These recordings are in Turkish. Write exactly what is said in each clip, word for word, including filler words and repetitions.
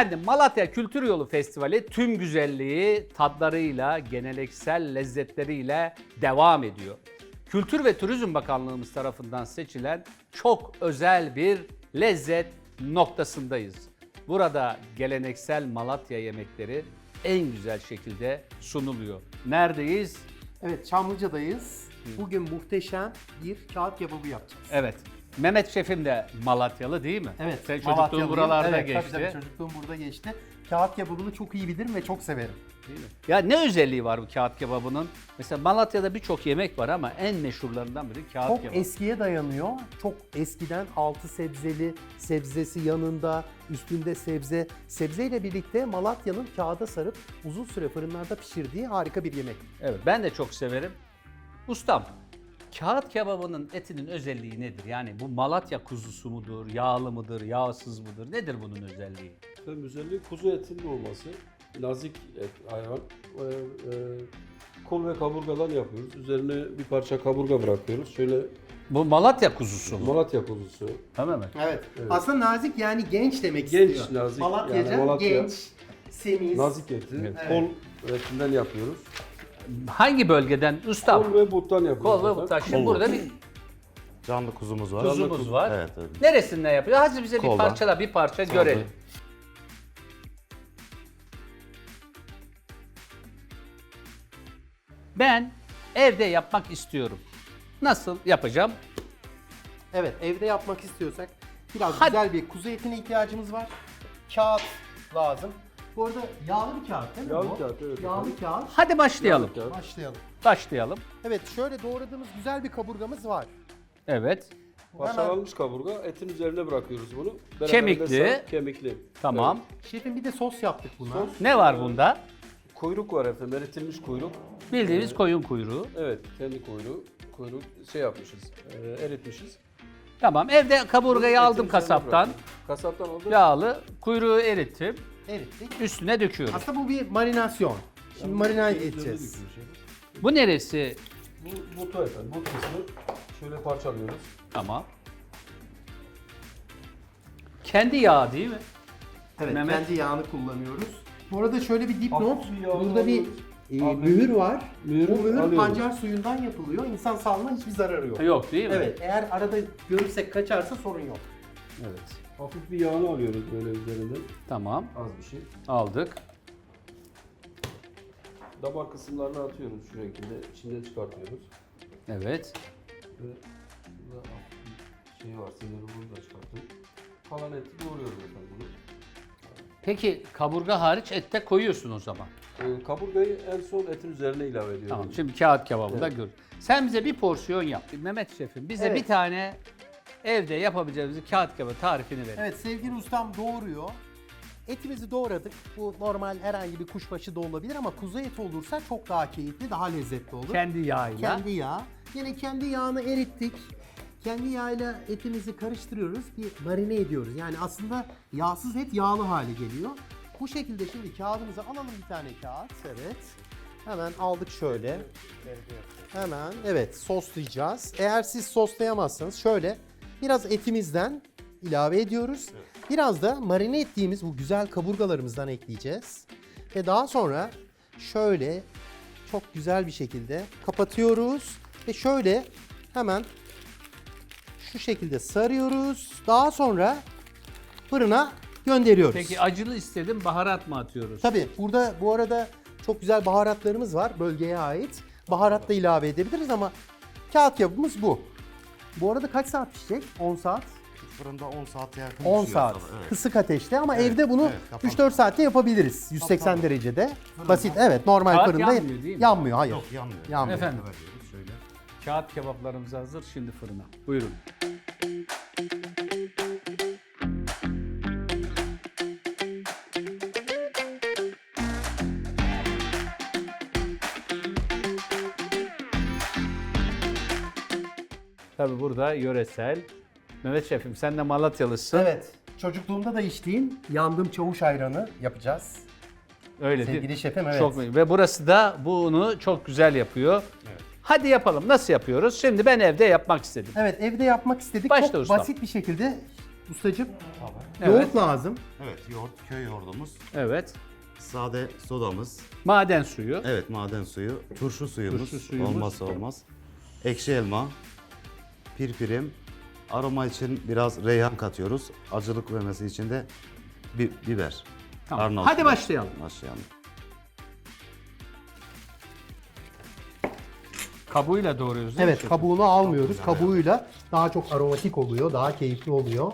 Efendim Malatya Kültür Yolu Festivali tüm güzelliği, tadlarıyla, geleneksel lezzetleriyle devam ediyor. Kültür ve Turizm Bakanlığımız tarafından seçilen çok özel bir lezzet noktasındayız. Burada geleneksel Malatya yemekleri en güzel şekilde sunuluyor. Neredeyiz? Evet, Çamlıca'dayız. Bugün muhteşem bir kağıt kebabı yapacağız. Evet. Mehmet Şefim de Malatyalı değil mi? Evet, Sen çocukluğun Malatyalıyım. buralarda evet, geçti. Tabii, tabii çocukluğum burada geçti. Kağıt kebabını çok iyi bilirim ve çok severim. Değil mi? Ya ne özelliği var bu kağıt kebabının? Mesela Malatya'da birçok yemek var ama en meşhurlarından biri kağıt Çok kebabı. eskiye dayanıyor. Çok eskiden altı sebzeli, sebzesi yanında, üstünde sebze. Sebzeyle birlikte Malatya'nın kağıda sarıp uzun süre fırınlarda pişirdiği harika bir yemek. Evet, ben de çok severim. Ustam, kağıt kebabının etinin özelliği nedir? Yani bu Malatya kuzusu mudur, yağlı mıdır, yağsız mıdır? Nedir bunun özelliği? Tabii özelliği kuzu etinin olması. Nazik et hayvan. Ee, e, kol ve kaburgadan yapıyoruz. Üzerine bir parça kaburga bırakıyoruz. Şöyle Bu Malatya kuzusu mu? Malatya kuzusu. Tamam mı? Evet. Aslında nazik yani genç demek Genç, istiyor. nazik. Malatya'ca Yani Malatya- genç, semiz. Nazik eti. Evet. Kol etinden yapıyoruz. Hangi bölgeden? Ustam. Kol ve buttan yapıyoruz. Kol ve zaten. butlar. Şimdi Kol. burada bir Canlı kuzumuz var. kuzumuz var. Evet, evet. Neresinden yapıyor? Hadi bize bir Koldan. parçala, bir parça görelim. Ben evde yapmak istiyorum. Nasıl yapacağım? Evet, evde yapmak istiyorsak biraz Hadi. güzel bir kuzu etine ihtiyacımız var. Kağıt lazım. Bu arada yağlı bir kağıt değil mi Yağlı bu? kağıt, evet Yağlı efendim. kağıt. Hadi başlayalım. Kağıt. Başlayalım. Başlayalım. Evet, şöyle doğradığımız güzel bir kaburgamız var. Evet. Parçalanmış kaburga. Etin üzerine bırakıyoruz bunu. Beraberinde Kemikli. sar- Kemikli. Tamam. Şefim bir de sos yaptık buna. Sos. Ne var bunda? Kuyruk var efendim. Eritilmiş kuyruk. Bildiğimiz koyun kuyruğu. Evet. Kendi kuyruğu. Kuyruk şey yapmışız. E, eritmişiz. Tamam. Evde kaburgayı Etin aldım üzerine kasaptan. bırakıyoruz. Kasaptan aldım. Yağlı. Kuyruğu erittim. Erittik. Üstüne döküyorum. Aslında bu bir marinasyon. Şimdi marine Üzerine edeceğiz. döküyoruz şefim. Bu neresi? Bu butu efendim. Bu kısmı şöyle parçalıyoruz. Tamam. Kendi yağı değil mi? Evet, Mehmet. kendi yağını kullanıyoruz. Bu arada şöyle bir dipnot. Hafif bir yağ Burada bir alıyoruz. e, Abi, mühür var. mühürü Bu mühür alıyoruz. pancar suyundan yapılıyor. İnsan sağlığına hiçbir zararı yok. Yok değil mi? Evet, eğer arada görürsek kaçarsa sorun yok. Evet. Hafif bir yağını alıyoruz böyle üzerinden. Tamam. Az bir şey. Aldık. Damar kısımlarına atıyoruz şu şekilde. İçinden çıkartıyoruz. Evet. Ve burada hafif bir şey var. Siniri bunu da çıkartın. Kalan eti doğruyoruz efendim bunu. Peki kaburga hariç ette koyuyorsun o zaman. Ee, kaburgayı en son etin üzerine ilave ediyoruz. Tamam. Şimdi kağıt kebabı da Evet. gör. Sen bize bir porsiyon yap. Mehmet Şefim bize Evet. bir tane evde yapabileceğimiz kağıt kebabı tarifini verin. Evet, sevgili ustam doğuruyor. Etimizi doğradık. Bu normal herhangi bir kuşbaşı da olabilir ama kuzu eti olursa çok daha keyifli, daha lezzetli olur. Kendi yağıyla. Kendi yağ. Yine kendi yağını erittik. Kendi yağıyla etimizi karıştırıyoruz, bir marine ediyoruz. Yani aslında yağsız et yağlı hale geliyor. Bu şekilde şimdi kağıdımızı alalım, bir tane kağıt. Evet. Hemen aldık şöyle. Hemen evet soslayacağız. Eğer siz soslayamazsanız şöyle biraz etimizden ilave ediyoruz. Biraz da marine ettiğimiz bu güzel kaburgalarımızdan ekleyeceğiz. Ve daha sonra şöyle çok güzel bir şekilde kapatıyoruz. Ve şöyle hemen şu şekilde sarıyoruz. Daha sonra fırına gönderiyoruz. Peki acılı istedim, baharat mı atıyoruz? Tabii burada bu arada çok güzel baharatlarımız var bölgeye ait. Baharat da ilave edebiliriz ama kağıt kebabımız bu. Bu arada kaç saat pişecek? on saat. Fırında on saate yakın on pişiyor saat. tabii, evet. Kısık ateşte ama evde bunu evet, kapalı. üç dört saatte yapabiliriz. yüz seksen derecede. Basit. Evet, normal Kağıt fırında yanmıyor değil mi? yanmıyor. Hayır. Yok yanmıyor. Yanmıyor. Efendim? Veriyoruz şöyle. Kağıt kebaplarımız hazır, şimdi fırına. Buyurun. Tabii burada yöresel. Mehmet Şefim sen de Malatyalısın. Evet. Çocukluğumda da içtiğim yandım çavuş ayranı yapacağız. Öyle değil mi? Sevgili şefim, evet. Çok, ve burası da bunu çok güzel yapıyor. Hadi yapalım. Nasıl yapıyoruz? Şimdi ben evde yapmak istedim. Evet, evde yapmak istedik. Başla Çok ustam. basit bir şekilde Ustacığım, Tabii. yoğurt Evet. lazım. Evet, yoğurt, köy yoğurdumuz. Evet. Sade sodamız. Maden suyu. Evet, maden suyu. Turşu suyumuz. Turşu suyumuz. Olmazsa olmaz. Ekşi elma. Pirpirim. Aroma için biraz reyhan katıyoruz. Acılık vermesi için de bi- biber. Tamam. Arnavut Hadi biber. başlayalım. Başlayalım. Kabuğuyla doğruyoruz değil mi Evet, şefim? kabuğunu almıyoruz. Kabuğuyla daha çok aromatik oluyor, daha keyifli oluyor.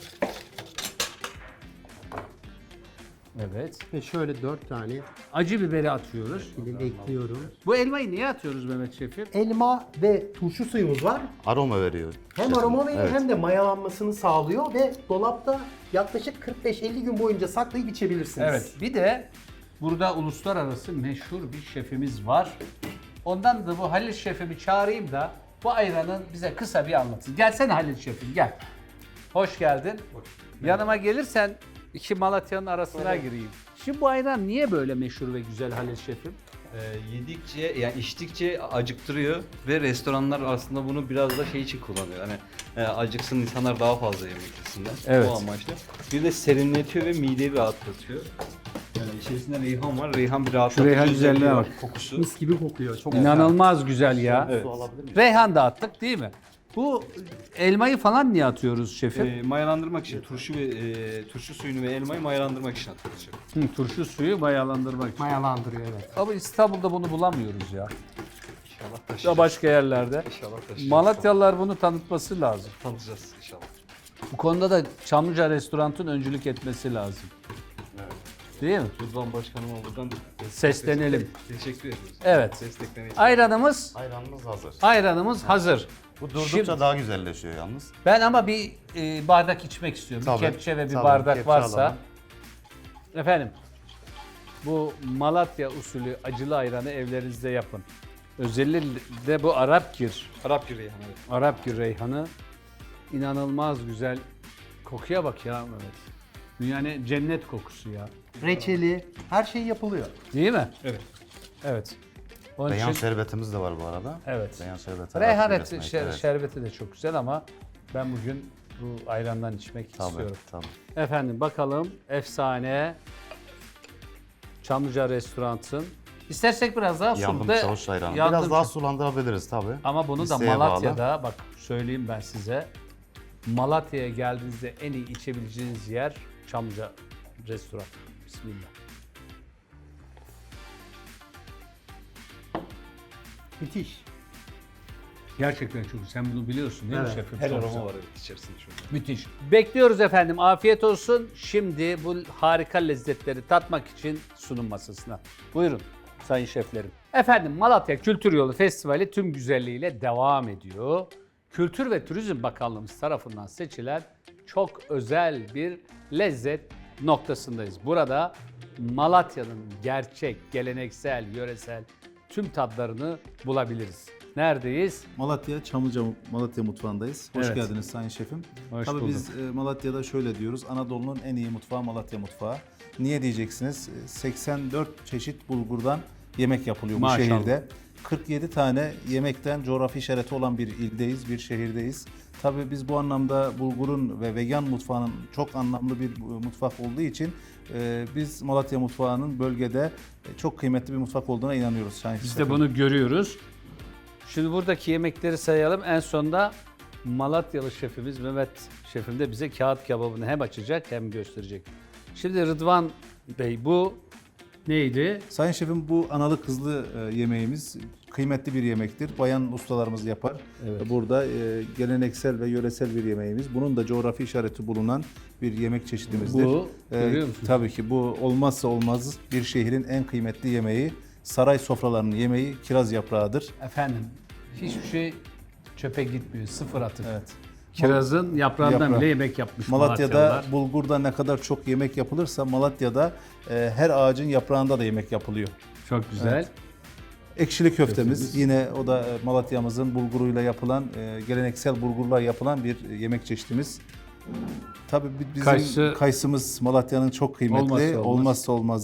Evet. Ve şöyle dört tane Acı biberi atıyoruz. dilim ekliyorum. Bu elmayı niye atıyoruz Mehmet Şefim? Elma ve turşu suyumuz var. Aroma veriyor. Hem şefim. aroma veriyor Evet. hem de mayalanmasını sağlıyor ve dolapta yaklaşık kırk beş elli gün boyunca saklayıp içebilirsiniz. Evet. Bir de burada uluslararası meşhur bir şefimiz var. Ondan da bu Halil Şefimi çağırayım da bu ayranın bize kısa bir anlatsın. Gelsene Halil Şefim gel. Hoş geldin. Yanıma gelirsen iki Malatya'nın arasına gireyim. Şimdi bu ayran niye böyle meşhur ve güzel Halil Şefim? Ee, yedikçe yani içtikçe acıktırıyor ve restoranlar aslında bunu biraz da şey için kullanıyor. Hani e, acıksın insanlar daha fazla yemek yesinler. Evet. O amaçla. Bir de serinletiyor ve mideyi rahatlatıyor. Yani içerisinde reyhan var. Reyhan bir rahatlatıcı reyhan özelliği güzelliğine var, bak. kokusu. Mis gibi kokuyor. Çok İnanılmaz güzel ya. Evet. Su alabilir miyim? Reyhan da attık değil mi? Bu elmayı falan niye atıyoruz şefim? E, mayalandırmak için turşu ve e, turşu suyunu ve elmayı mayalandırmak için atılacak. Hı, turşu suyu mayalandırmak için. mayalandırıyor, evet. Ama İstanbul'da bunu bulamıyoruz ya. İnşallah Ya taşıyacağız. başka yerlerde. İnşallah taşıyacağız. Malatyalılar bunu tanıtması lazım. Tanıtacağız inşallah. Bu konuda da Çamlıca Restorant'ın öncülük etmesi lazım. Değil mi? Rıdvan Başkanıma buradan Seslenelim. teşekkür ediyoruz. Evet. Desteklemeyi. Ayranımız, Ayranımız hazır. ayranımız hazır. Bu durdukça Şimdi- daha güzelleşiyor yalnız. Ben ama bir e, bardak içmek istiyorum. Tabii, bir kepçe ve bir tabii, bardak kepçe varsa. alalım. Efendim, bu Malatya usulü acılı ayranı evlerinizde yapın. Özellikle bu Arapgir, Arap yüreği evet. Arapgir reyhanı inanılmaz güzel. Kokuya bak ya Mehmet. Yani cennet kokusu ya. Reçeli, her şey yapılıyor. Değil mi? Evet. Evet. Onun Reyhan için şerbetimiz de var bu arada. evet. Reyhan şerbeti. Reyhan Arap eti, resmi, şer- evet. şerbeti de çok güzel ama ben bugün bu ayrandan içmek Tabii, istiyorum. tabii. Efendim bakalım efsane Çamlıca Restorant'ın. İstersek biraz daha Yandım sulu da çavuş ayranı. yandım Biraz daha çavuş- sulandırabiliriz tabii. Ama bunu da İsteğe Malatya'da bak söyleyeyim ben size. Malatya'ya geldiğinizde en iyi içebileceğiniz yer Çamlıca Restoran. Bismillah. Müthiş. Gerçekten çok güzel. Sen bunu biliyorsun değil mi Evet. şefim? Her Çok aroma güzel. var evet içerisinde şu an. Müthiş. Bekliyoruz efendim. Afiyet olsun. Şimdi bu harika lezzetleri tatmak için sunum masasına. Buyurun sayın şeflerim. Efendim Malatya Kültür Yolu Festivali tüm güzelliğiyle devam ediyor. Kültür ve Turizm Bakanlığımız tarafından seçilen çok özel bir lezzet noktasındayız. Burada Malatya'nın gerçek, geleneksel, yöresel tüm tatlarını bulabiliriz. Neredeyiz? Malatya, Çamlıca Malatya mutfağındayız. Hoş Evet. geldiniz Sayın Şefim. Hoş Tabii bulduk. biz e, Malatya'da şöyle diyoruz, Anadolu'nun en iyi mutfağı Malatya mutfağı. Niye diyeceksiniz? E, seksen dört çeşit bulgurdan yemek yapılıyor Maşallah. bu şehirde. kırk yedi tane yemekten coğrafi işareti olan bir ildeyiz, bir şehirdeyiz. Tabii biz bu anlamda bulgurun ve vegan mutfağının çok anlamlı bir mutfak olduğu için e, biz Malatya mutfağının bölgede e, çok kıymetli bir mutfak olduğuna inanıyoruz Sayın Biz Şefim. de bunu görüyoruz. Şimdi buradaki yemekleri sayalım. En sonunda Malatyalı şefimiz Mehmet şefim de bize kağıt kebabını hem açacak hem gösterecek. Şimdi Rıdvan Bey bu neydi? Sayın Şefim bu analı kızlı e, yemeğimiz kıymetli bir yemektir. Bayan ustalarımız yapar. Evet. Burada e, geleneksel ve yöresel bir yemeğimiz. Bunun da coğrafi işareti bulunan bir yemek çeşidimizdir. Bu, E, görüyor musunuz? Tabii ki bu olmazsa olmaz bir şehrin en kıymetli yemeği. Saray sofralarının yemeği kiraz yaprağıdır. Efendim hiçbir şey çöpe gitmiyor. Sıfır atık. Evet. Kirazın yaprağından Yaprağı. bile yemek yapmış Malatya'da Malatyalılar. bulgurda ne kadar çok yemek yapılırsa Malatya'da e, her ağacın yaprağında da yemek yapılıyor. Çok güzel. Evet. Ekşili köftemiz, Köftemiz. yine o da e, Malatya'mızın bulguruyla yapılan, e, geleneksel bulgurla yapılan bir e, yemek çeşidimiz. Tabii bi- bizim Kayısı- kayısımız Malatya'nın çok kıymetli, Olmazsa olmaz. olmazsa olmazı.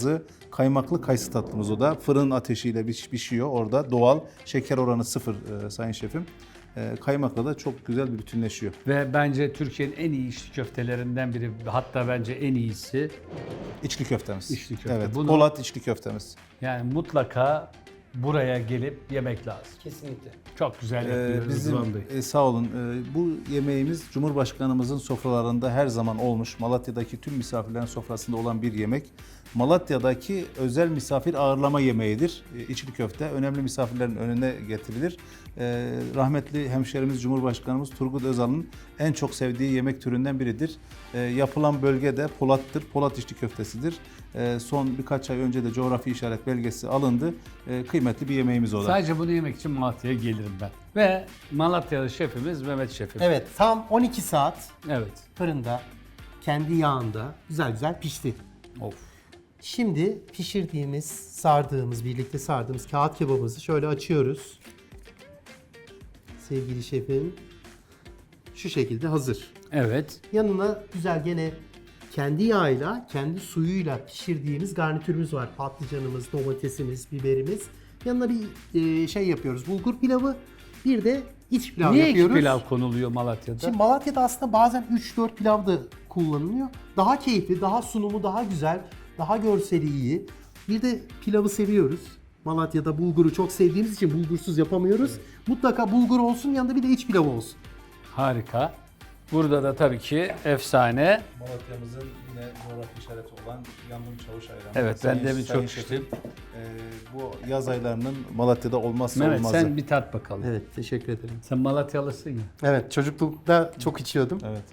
Kaymaklı kayısı tatlımız o da. Fırın ateşiyle piş- pişiyor orada. Doğal. Şeker oranı sıfır e, sayın şefim. E, kaymakla da çok güzel bir bütünleşiyor. Ve bence Türkiye'nin en iyi içli köftelerinden biri, hatta bence en iyisi. İçli köftemiz. İçli köfte. Evet. Bunu- Polat içli köftemiz. Yani mutlaka buraya gelip yemek lazım. Kesinlikle. Çok güzel Ee, yapıyor bizim Rıdvan Bey. e, sağ olun. E, bu yemeğimiz Cumhurbaşkanımızın sofralarında her zaman olmuş. Malatya'daki tüm misafirlerin sofrasında olan bir yemek. Malatya'daki özel misafir ağırlama yemeğidir. E, içli köfte önemli misafirlerin önüne getirilir. E, rahmetli hemşerimiz Cumhurbaşkanımız Turgut Özal'ın en çok sevdiği yemek türünden biridir. E, yapılan bölge de Polat'tır. Polat içli köftesidir. E, son birkaç ay önce de coğrafi işaret belgesi alındı. E, kıymetli bir yemeğimiz o da. Sadece bunu yemek için Malatya'ya gelirim ben. Ve Malatyalı şefimiz Mehmet Şefim. Evet, tam on iki saat Evet. fırında, kendi yağında güzel güzel pişti. Of. Şimdi pişirdiğimiz, sardığımız, birlikte sardığımız kağıt kebabımızı şöyle açıyoruz. Sevgili şefim, şu şekilde hazır. Evet. Yanına güzel gene kendi yağıyla, kendi suyuyla pişirdiğimiz garnitürümüz var. Patlıcanımız, domatesimiz, biberimiz. Yanına bir e, şey yapıyoruz. Bulgur pilavı, bir de iç pilav Niye yapıyoruz. iki pilav konuluyor Malatya'da? Şimdi Malatya'da aslında bazen üç dört pilav da kullanılıyor. Daha keyifli, daha sunumu daha güzel, daha görseli iyi. Bir de pilavı seviyoruz. Malatya'da bulguru çok sevdiğimiz için bulgursuz yapamıyoruz. Mutlaka bulgur olsun, yanında bir de iç pilav olsun. Harika. Burada da tabii ki efsane. Malatya'mızın yine coğrafi işareti olan yandım çavuş ayranı. Evet, ben Sayın- demin Sayın çok şefim, içtim. e, bu yaz aylarının Malatya'da olmazsa Mehmet olmazı. sen bir tat bakalım. Evet, teşekkür ederim. Sen Malatyalısın ya. Evet, çocuklukta çok içiyordum. Evet.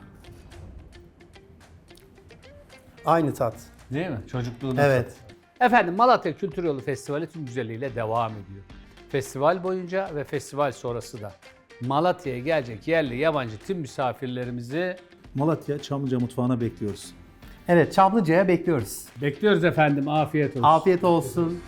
Aynı tat. Değil mi? Çocukluğunu. Evet. Efendim Malatya Kültür Yolu Festivali tüm güzelliğiyle devam ediyor. Festival boyunca ve festival sonrası da Malatya'ya gelecek yerli yabancı tüm misafirlerimizi Malatya Çamlıca mutfağına bekliyoruz. Evet, Çamlıca'ya bekliyoruz. bekliyoruz efendim. Afiyet olsun. Afiyet olsun.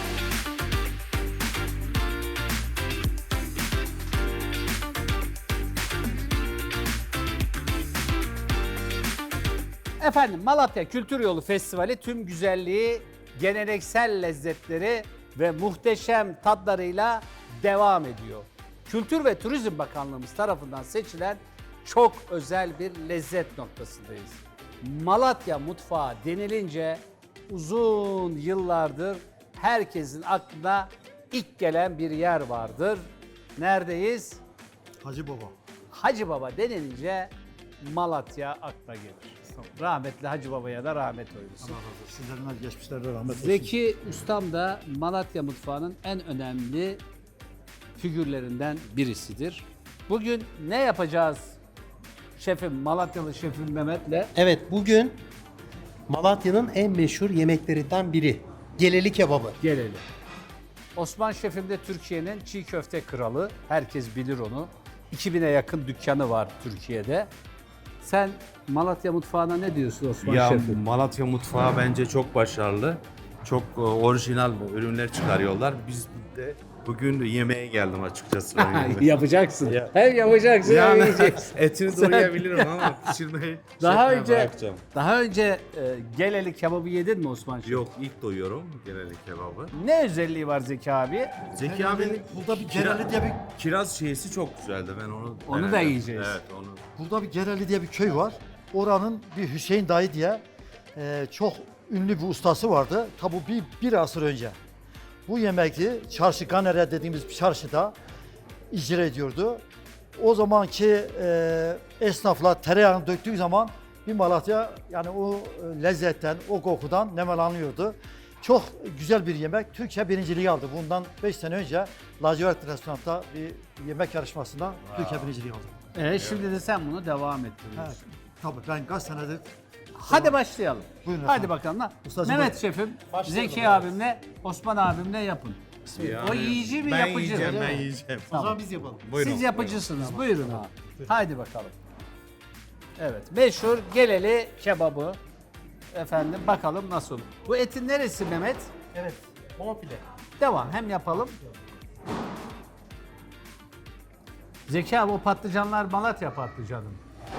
Efendim Malatya Kültür Yolu Festivali tüm güzelliği, geleneksel lezzetleri ve muhteşem tatlarıyla devam ediyor. Kültür ve Turizm Bakanlığımız tarafından seçilen çok özel bir lezzet noktasındayız. Malatya mutfağı denilince uzun yıllardır herkesin aklına ilk gelen bir yer vardır. Neredeyiz? Hacı Baba. Hacı Baba denilince Malatya akla gelir. Rahmetli Hacı Baba'ya da rahmet eylesin. Sizlerin geçmişlerde rahmet olsun. Zeki Ustam da Malatya mutfağının en önemli figürlerinden birisidir. Bugün ne yapacağız şefim, Malatyalı şefim Mehmet'le? Evet, bugün Malatya'nın en meşhur yemeklerinden biri. Geleli kebabı. Gelelim. Osman şefim de Türkiye'nin çiğ köfte kralı. Herkes bilir onu. iki bine yakın dükkanı var Türkiye'de. Sen Malatya mutfağına ne diyorsun Osman Ya şefim? Malatya mutfağı bence çok başarılı. Çok e, orijinal ürünler çıkarıyorlar. Biz de bugün yemeğe geldim açıkçası. Yapacaksın. Ya. Hem yapacaksın hem yani yiyeceksin. etini doğrayabilirim ama pişirmeyi Daha şefime önce bırakacağım. daha önce e, geleli kebabı yedin mi Osman şefim? Yok, ilk doyuyorum genelde kebabı. Ne özelliği var Zeki abi? Zeki abinin Burada bir kira- Gereli diye bir kiraz şeysi çok güzeldi. Ben onu Onu da denedim. yiyeceğiz. Evet, onu. burada bir Gereli diye bir köy var. Oranın bir Hüseyin dayı diye e, çok ünlü bir ustası vardı. Tabu bir, bir asır önce. Bu yemekti çarşı Ganere dediğimiz bir çarşıda icra ediyordu. O zamanki e, esnaflar tereyağını döktüğü zaman bir Malatya yani o e, lezzetten, o kokudan nemalanıyordu. Çok güzel bir yemek. Türkiye birinciliği aldı. Bundan beş sene önce Lacivert Restoran'ta bir yemek yarışmasında Türkiye birinciliği aldı. E, şimdi de sen bunu devam Evet, ettiriyorsun. tabii ben kaç senedir Hadi başlayalım. Buyurun Hadi efendim. bakalım. lan. Ustacığım, Mehmet şefim, Zeki abimle, Osman abimle yapın. O yiyici mi ben yapıcı mı? yiyeceğim, ben yiyeceğim. O zaman biz yapalım. Buyurun. Siz yapıcısınız. Buyurun abi. Haydi bakalım. Evet, meşhur geleli kebabı. Efendim bakalım nasıl. Bu etin neresi Mehmet? Evet, bonfile. Devam, hem yapalım. Zeki abi o patlıcanlar Malatya patlıcanı.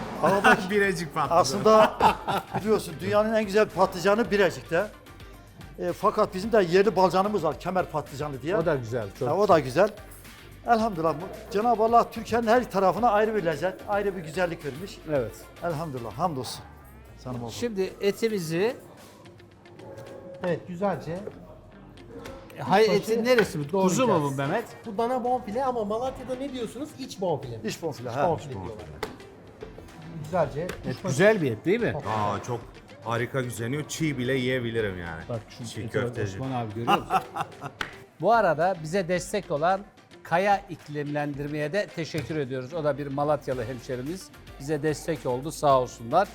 Birecik patlıcan. aslında biliyorsun dünyanın en güzel patlıcanı Birecik'te. E, fakat bizim de yerli balcanımız var, kemer patlıcanı diye. O da güzel. Çok Ha, o da güzel. Elhamdülillah. bu- Cenab-ı Allah Türkiye'nin her tarafına ayrı bir lezzet, ayrı bir güzellik vermiş. Evet. Elhamdülillah. Hamdolsun. Sanım olsun. Şimdi etimizi, Evet, güzelce. hay başı etin neresi bu? Kuzu mu bu doğrayacağız. Mehmet? Bu dana bonfile ama Malatya'da ne diyorsunuz? İç bonfile. İç bonfile. İç ha. bonfile diyorlar. Güzelce. Et güzel bir et değil mi? Aa çok harika güzeliyor. Çiğ bile yiyebilirim yani. Bak şu Çiğ ete bak köfteci. Osman abi görüyor musun? Bu arada bize destek olan Kaya İklimlendirme'ye de teşekkür ediyoruz. O da bir Malatyalı hemşerimiz. Bize destek oldu sağ olsunlar.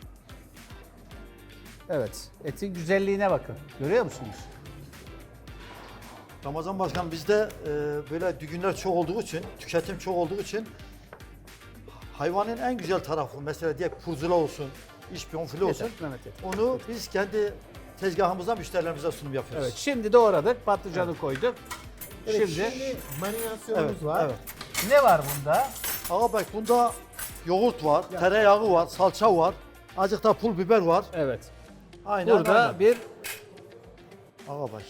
Evet, etin güzelliğine bakın. Görüyor musunuz? Ramazan Başkan bizde e, böyle düğünler çok olduğu için, tüketim çok olduğu için hayvanın en güzel tarafı mesela diye kurzula olsun, iç bonfile olsun. Yeter, Mehmet yeter. Onu biz kendi tezgahımızdan müşterilerimize sunum yapıyoruz. Evet, şimdi doğradık, patlıcanı koyduk. Evet, şimdi, şimdi marinasyonumuz Evet, var. evet. ne var bunda? Ağa bak bunda yoğurt var, tereyağı var, salça var, azıcık da pul biber var. Evet. Aynen Burada aynen. bir Ağa bak.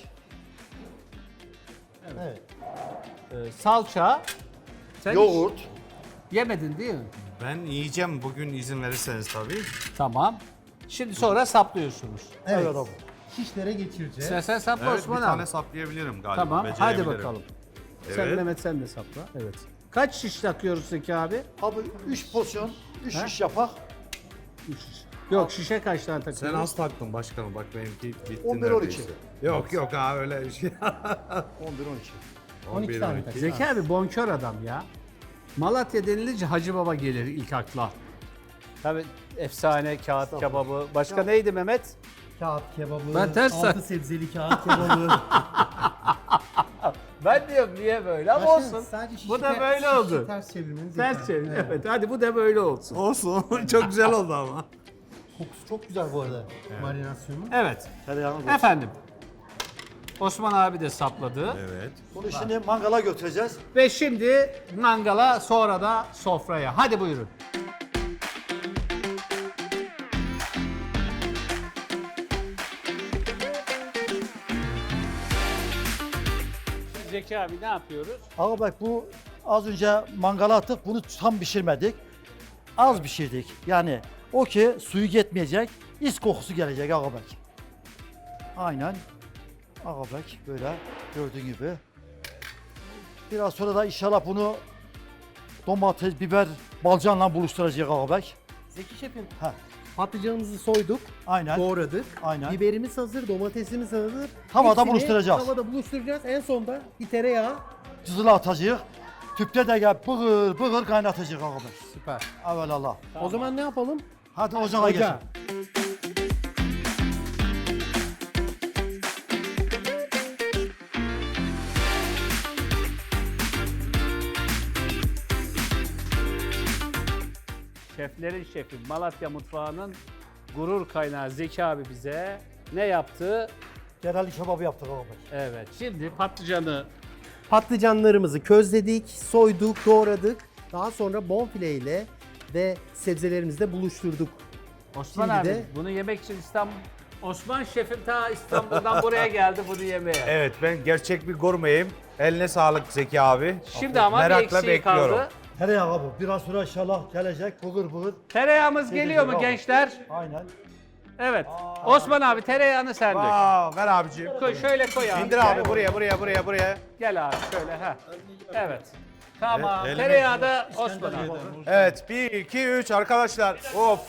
Evet. e, salça. Sen hiç Yoğurt. yemedin değil mi? Ben yiyeceğim bugün izin verirseniz tabii. Tamam. Şimdi sonra saplıyorsunuz. Evet. Evet abi. Şişlere geçireceğiz. Sen, sen sapla Evet Osman bir abi. tane saplayabilirim galiba. Tamam, hadi becerebilirim. bakalım. Sen Evet. Mehmet sen de sapla. Evet. Kaç şiş takıyoruz Zeki abi? Abi üç porsiyon, üç Ha? şiş yapak. üç şiş. Yok, şişe kaç tane Sen takıyoruz? az taktın başkanım bak benimki bitti on bir, on iki. neredeyse. Yok yok ha öyle bir şey. on bir on iki. on iki tane on iki. tak. Zeki abi bonkör adam ya. Malatya denilince Hacı Baba gelir ilk akla. Tabii efsane kağıt kebabı. Başka neydi Mehmet? Kağıt kebabı, Ben ters altı sebzeli kağıt kebabı. Ben diyorum niye böyle ama Başkanım, olsun. sadece şişi Bu da ter- böyle şişi oldu. Ters çevirmeniz Ters yeter. çevir. Evet. Evet. Hadi bu da böyle olsun. Olsun çok güzel oldu ama. Kokusu çok güzel bu arada marinasyonun. Evet. Tereyağını koy. Efendim. Osman abi de sapladı. Evet. Bunu şimdi mangala götüreceğiz. Ve şimdi mangala sonra da sofraya. Hadi buyurun. Zeki abi ne yapıyoruz? Ağa bak bu az önce mangala attık, bunu tam pişirmedik. Az pişirdik. Yani o ki suyu yetmeyecek, is kokusu gelecek ağa bak. Aynen. Ağa bak böyle gördüğün gibi. Biraz sonra da inşallah bunu domates, biber, balcanla buluşturacak ağa bak. Zeki şefim, Ha, patlıcanımızı soyduk, aynen. doğradık. Aynen. Biberimiz hazır, domatesimiz hazır. Havada Hepsini buluşturacağız. Havada buluşturacağız. En sonda bir tereyağı. Cızıla atacağız. Tüpte de gel bığır bığır kaynatacak ağa bak. Süper. Evelallah. O zaman ne yapalım? Hadi ocağa geçin. Ocağa. Şeflerin şefi Malatya mutfağının gurur kaynağı Zeki abi bize ne yaptı? Genel kebabı yaptık ağa bak. Evet. Şimdi patlıcanı Patlıcanlarımızı közledik, soyduk, doğradık. Daha sonra bonfile ile ve sebzelerimizle buluşturduk. Osman Şimdi abi de- bunu yemek için İstanbul Osman şefim ta İstanbul'dan buraya geldi bunu yemeye. Evet ben gerçek bir gurmeyim. Eline sağlık Zeki abi. Şimdi ama bir Merakla eksiği bekliyorum. kaldı. Tereyağı bu. Biraz sonra inşallah gelecek bığır bığır. Tereyağımız geliyor mu bravo. gençler? Aynen. Evet. Osman abi tereyağını sen dök. Aa, ver abicim. Koy, şöyle koy abi. İndir abi buraya buraya buraya buraya. Gel abi şöyle ha. Evet. Tamam. Evet, Tereyağı da Osman abi. Evet bir iki üç arkadaşlar. Of.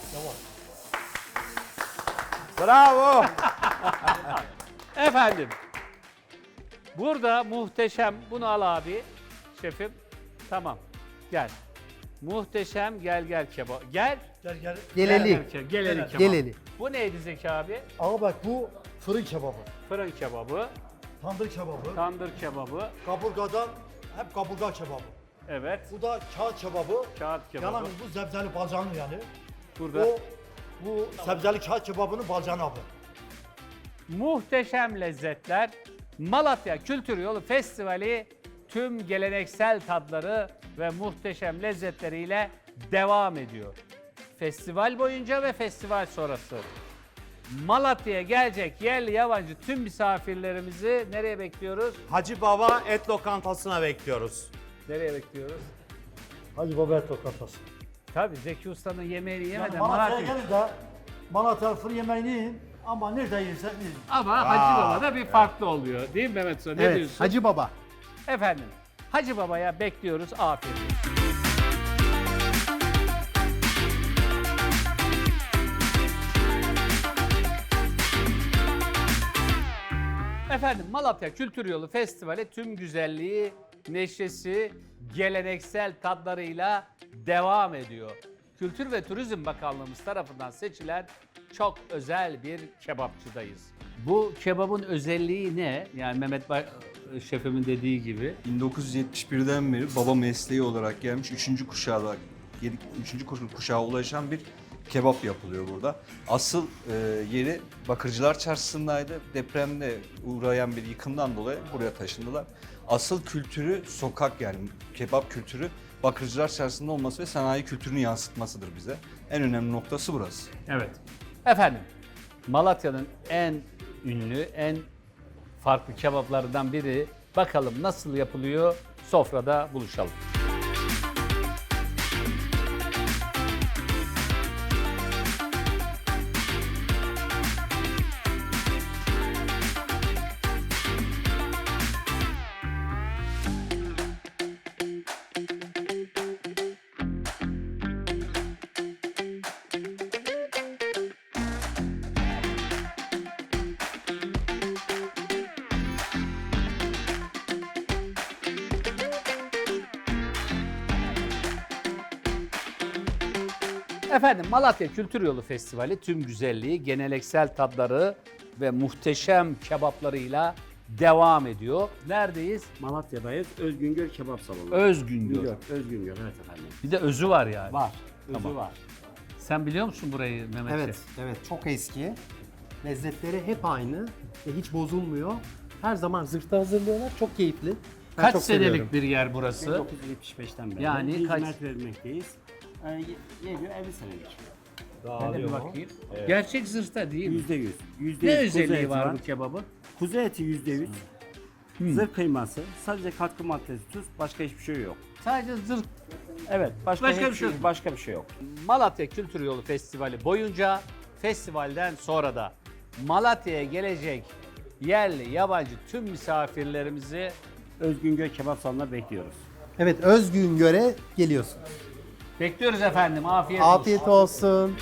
Bravo. Efendim. Burada muhteşem. Bunu al abi. Şefim. Tamam. Gel. Muhteşem gel gel kebap. Gel. Gel gel. Geleli. Gel, gel, geleli kebap. Geleli. Bu neydi Zeki abi? Ağa bak bu fırın kebabı. Fırın kebabı, Tandır kebabı. tandır kebabı. Kaburgadan hep kaburga kebabı. Evet. Bu da kağıt kebabı. Kağıt kebabı. Yalan bu sebzeli balcanı yani. Burada O bu sebzeli kağıt kebabının balcanı abi. muhteşem lezzetler. Malatya Kültür Yolu Festivali tüm geleneksel tadları ve muhteşem lezzetleriyle devam ediyor. Festival boyunca ve festival sonrası. Malatya'ya gelecek yerli yabancı tüm misafirlerimizi nereye bekliyoruz? Hacı Baba Et Lokantası'na bekliyoruz. Nereye bekliyoruz? Hacı Baba Et Lokantası. Tabii Zeki Usta'nın yemeğini Yani yemeden Malatya'ya Malatya. gelin de Malatya fır yemeğini yiyin ama nerede yersen yiyin. Ama Hacı Baba'da bir farklı oluyor. Değil mi Mehmet Usta? Ne Evet, diyorsun? Hacı Baba. Efendim, Hacı Baba'ya bekliyoruz. Afiyet olsun. Efendim Malatya Kültür Yolu Festivali tüm güzelliği, neşesi, geleneksel tatlarıyla devam ediyor. Kültür ve Turizm Bakanlığımız tarafından seçilen çok özel bir kebapçıdayız. Bu kebabın özelliği ne? Yani Mehmet Bay şefimin dediği gibi. bin dokuz yüz yetmiş birden beri baba mesleği olarak gelmiş üçüncü kuşağa üçüncü kuşağa ulaşan bir kebap yapılıyor burada. Asıl e, yeri Bakırcılar Çarşısı'ndaydı. Depremde uğrayan bir yıkımdan dolayı buraya taşındılar. Asıl kültürü sokak, yani kebap kültürü Bakırcılar Çarşısı'nda olması ve sanayi kültürünü yansıtmasıdır bize. En önemli noktası burası. Evet. Efendim, Malatya'nın en ünlü, en farklı kebaplarından biri. Bakalım nasıl yapılıyor? Sofrada buluşalım. Efendim Malatya Kültür Yolu Festivali tüm güzelliği, geleneksel tatları ve muhteşem kebaplarıyla devam ediyor. Neredeyiz? Malatya'dayız. Özgüngör Kebap Salonu. Özgüngör. Güngör, Özgüngör evet efendim. Bir de özü var yani. Var. Özü Tamam. var. Sen biliyor musun burayı Mehmet Evet, Şef? evet çok eski. Lezzetleri hep aynı ve hiç bozulmuyor. Her zaman zırhta hazırlıyorlar. Çok keyifli. Ben Kaç çok senelik seviyorum. bir yer burası? bin dokuz yüz yetmiş beşten beri Yani yani kaç- hizmet vermekteyiz. Ee, ye- geliyor elli senelik. Ben de bir bakayım. Gerçek zırhta değil mi? Yüzde yüz. Yüzde Ne yüz kuzu özelliği eti var bu kebabın? Kuzu eti yüzde yüz. Zırh kıyması, sadece katkı maddesi, tuz, başka hiçbir şey yok. Sadece zırh. Evet, başka, Başka hiçbir bir şey yok. Başka bir şey yok. Malatya Kültür Yolu Festivali boyunca, festivalden sonra da Malatya'ya gelecek yerli, yabancı tüm misafirlerimizi Özgüngör Kebap Salonu'na bekliyoruz. Evet, Özgüngör'e geliyorsun. bekliyoruz efendim. Afiyet olsun. Afiyet olsun.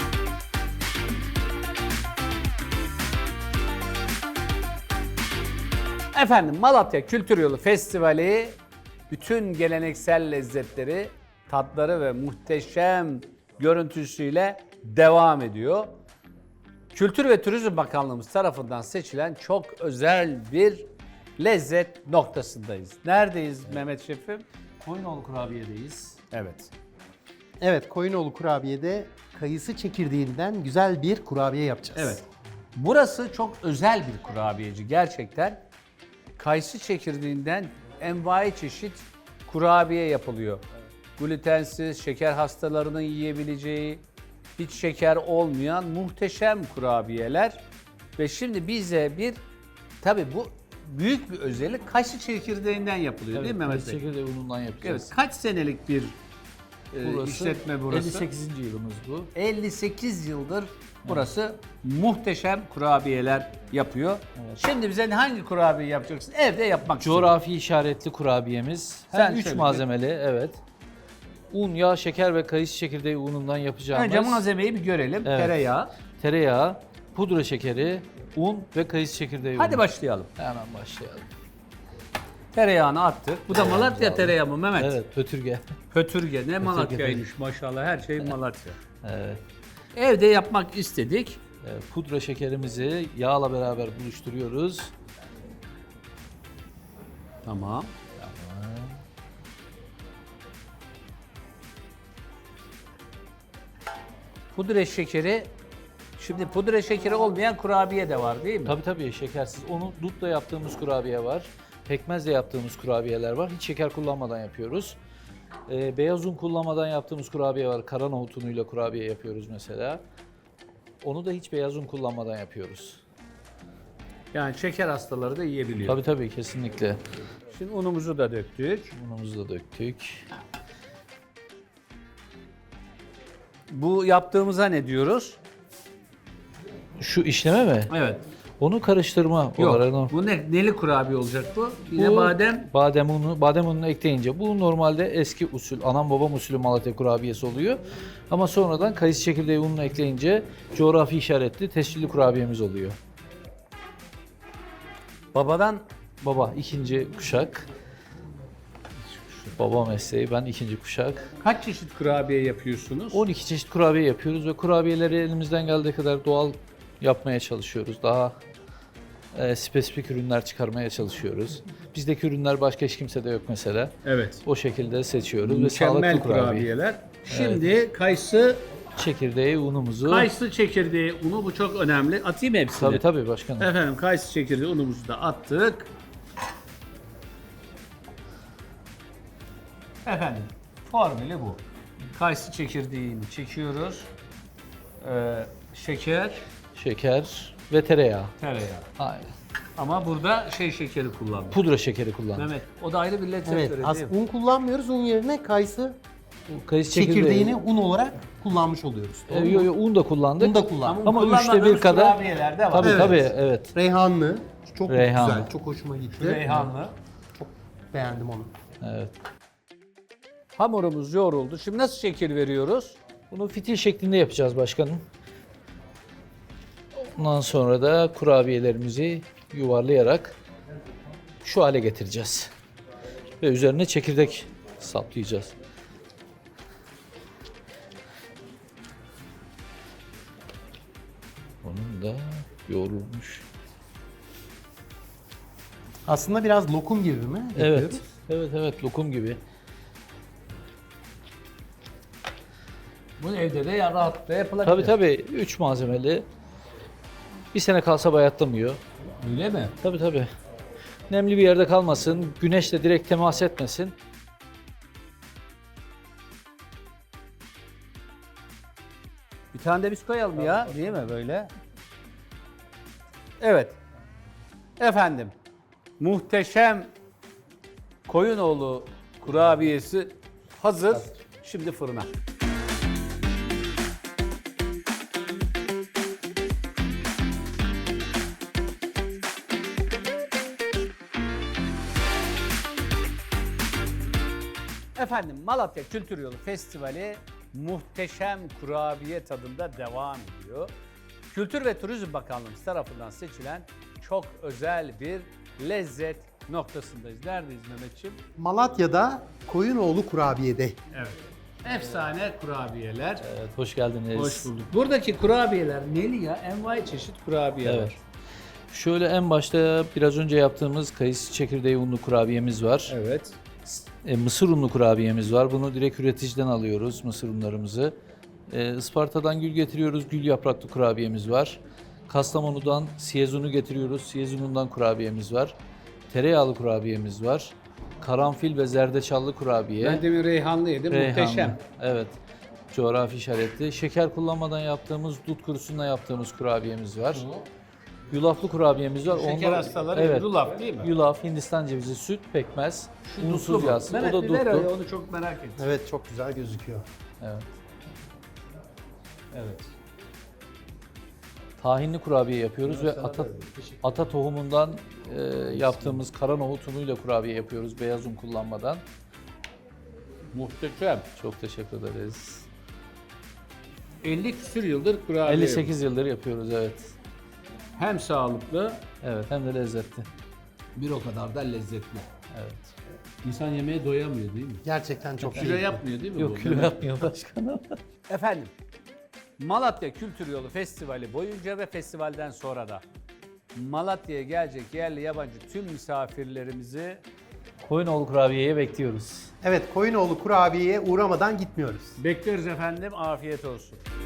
Efendim Malatya Kültür Yolu Festivali bütün geleneksel lezzetleri, tatları ve muhteşem görüntüsüyle devam ediyor. Kültür ve Turizm Bakanlığımız tarafından seçilen çok özel bir lezzet noktasındayız. Neredeyiz Mehmet Şefim? Koyunoğlu kurabiyedeyiz. Evet. Evet, Koyunoğlu Kurabiye'de kayısı çekirdeğinden güzel bir kurabiye yapacağız. Evet. Burası çok özel bir kurabiyeci gerçekten. Kayısı çekirdeğinden envai çeşit kurabiye yapılıyor. Glutensiz, şeker hastalarının yiyebileceği, hiç şeker olmayan muhteşem kurabiyeler. Ve şimdi bize bir, tabii bu büyük bir özellik, kayısı çekirdeğinden yapılıyor değil mi Mehmet Bey? Çekirdeği unundan yapacağız. Evet. Kaç senelik bir e, Burası işletme burası? elli sekizinci yılımız bu. elli sekiz yıldır burası muhteşem kurabiyeler yapıyor. Şimdi bize hangi kurabiye yapacaksın? Evde yapmak istiyorum. Coğrafi işaretli kurabiyemiz. Sen Hem üç söyle. malzemeli, evet. Un, yağ, şeker ve kayısı çekirdeği unundan yapacağımız. Önce malzemeyi bir görelim. Evet. Tereyağı. Tereyağı, pudra şekeri, un ve kayısı çekirdeği Hadi unu. başlayalım. Hemen başlayalım. Tereyağını attık. Bu da Malatya tereyağı mı Mehmet? Evet, pötürge. Pötürge. Ne Malatya'ymış maşallah. Her şey Malatya. Evet. Evde yapmak istedik. Evet, pudra şekerimizi yağla beraber buluşturuyoruz. Tamam. Pudra şekeri. Şimdi pudra şekeri olmayan kurabiye de var değil mi? Tabii tabii şekersiz. Onu dutla yaptığımız kurabiye var. Pekmezle yaptığımız kurabiyeler var. Hiç şeker kullanmadan yapıyoruz. Ee, beyaz un kullanmadan yaptığımız kurabiye var. Kara nohut unuyla kurabiye yapıyoruz mesela. Onu da hiç beyaz un kullanmadan yapıyoruz. Yani şeker hastaları da yiyebiliyor. Tabii tabii kesinlikle. Şimdi unumuzu da döktük. Unumuzu da döktük. Bu yaptığımıza ne diyoruz? Şu işleme mi? Evet. Onu karıştırma olarak. Yok. Bu ne? Neli kurabiye olacak bu? Yine Bu badem. Badem unu, badem ununu ekleyince bu normalde eski usul, anam babam usulü Malatya kurabiyesi oluyor. Ama sonradan kayısı çekirdeği ununu ekleyince coğrafi işaretli tescilli kurabiyemiz oluyor. Babadan Baba ikinci kuşak. Baba mesleği, ben ikinci kuşak. kaç çeşit kurabiye yapıyorsunuz? on iki çeşit kurabiye yapıyoruz ve kurabiyeleri elimizden geldiği kadar doğal yapmaya çalışıyoruz. Daha e, spesifik ürünler çıkarmaya çalışıyoruz. Bizdeki ürünler başka hiç kimsede yok mesela. Evet. O şekilde seçiyoruz ve Mükemmel sağlıklı kurabiye. kurabiyeler. Şimdi kayısı Çekirdeği, unumuzu. kayısı çekirdeği unu, bu çok önemli. Atayım mı hepsini? Tabii tabii başkanım. Efendim kayısı çekirdeği unumuzu da attık. Efendim formülü bu. Kayısı çekirdeğini çekiyoruz. Ee, şeker, Şeker ve tereyağı. tereyağı. Aynen. Ama burada şey şekeri kullandık. Pudra şekeri kullandık. Mehmet, o da ayrı bir lezzet Evet, verir as- değil mi? un kullanmıyoruz. Un yerine kayısı Kayısı çekirdeği. çekirdeğini un olarak kullanmış oluyoruz. E, yo, yo, un da kullandık. Un da kullandık. Ama üçte kullanmadığımız bir kadar. kurabiyeler de var. Tabii Evet. tabii evet. Reyhanlı. Çok Reyhanlı. güzel. Çok hoşuma gitti. Reyhanlı. Beğendim onu. Evet. Hamurumuz yoğruldu. Şimdi nasıl şekil veriyoruz? Bunu fitil şeklinde yapacağız başkanım. Ondan sonra da kurabiyelerimizi yuvarlayarak şu hale getireceğiz. Ve üzerine çekirdek saplayacağız. Onun da yoğrulmuş. Aslında biraz lokum gibi mi Evet. yapıyoruz? Evet evet lokum gibi. Bunu evde de ya rahatlıkla yapılabilir. Tabii tabii üç malzemeli. Bir sene kalsa bayatlamıyor. Öyle mi? Tabii tabii. Nemli bir yerde kalmasın, güneşle direkt temas etmesin. Bir tane de biz koyalım ya, değil mi böyle? Evet. Efendim, muhteşem Koyunoğlu kurabiyesi hazır. Şimdi fırına. Efendim, Malatya Kültür Yolu Festivali muhteşem kurabiye tadında devam ediyor. Kültür ve Turizm Bakanlığımız tarafından seçilen çok özel bir lezzet noktasındayız. Neredeyiz Mehmetciğim? Malatya'da Koyunoğlu Kurabiye'de. Evet. Efsane kurabiyeler. Evet, hoş geldiniz. Hoş bulduk. Buradaki kurabiyeler neli ya? Envai çeşit kurabiye Evet. var. Şöyle en başta biraz önce yaptığımız kayısı çekirdeği unlu kurabiyemiz var. Evet. E, mısır unlu kurabiyemiz var. Bunu direkt üreticiden alıyoruz mısır unlarımızı. E, Isparta'dan gül getiriyoruz. Gül yapraklı kurabiyemiz var. Kastamonu'dan siyez unu getiriyoruz. Siyez unundan kurabiyemiz var. Tereyağlı kurabiyemiz var. Karanfil ve zerdeçallı kurabiye. Ben demin reyhanlı yedim. Reyhanlı. Muhteşem. Evet. Coğrafi işaretli. Şeker kullanmadan yaptığımız, dut kurusundan yaptığımız kurabiyemiz var. Yulaflı kurabiyemiz var. Şeker Onda- hastaları evet. yulaf değil mi? Yulaf, Hindistan cevizi, süt, pekmez, Dutlu unsuz mu? yağsız. O Mehmet da bir ver öyle, dutlu. onu çok merak ettim. Evet, çok güzel gözüküyor. Evet. Evet. Tahinli kurabiye yapıyoruz ve ata, ata tohumundan e, yaptığımız kara nohut unuyla kurabiye yapıyoruz beyaz un kullanmadan. Muhteşem. Çok teşekkür ederiz. elli küsür yıldır kurabiye. elli sekiz yıldır yapıyoruz evet. Hem sağlıklı, Evet hem de lezzetli. bir o kadar da lezzetli. Evet. İnsan yemeğe doyamıyor değil mi? Gerçekten çok Kilo iyi. yapmıyor değil mi bu? Yok kilo yapmıyor başkanım. Efendim, Malatya Kültür Yolu Festivali boyunca ve festivalden sonra da Malatya'ya gelecek yerli yabancı tüm misafirlerimizi Koyunoğlu kurabiyeye bekliyoruz. Evet, Koyunoğlu Kurabiye'ye uğramadan gitmiyoruz. bekleriz efendim. Afiyet olsun.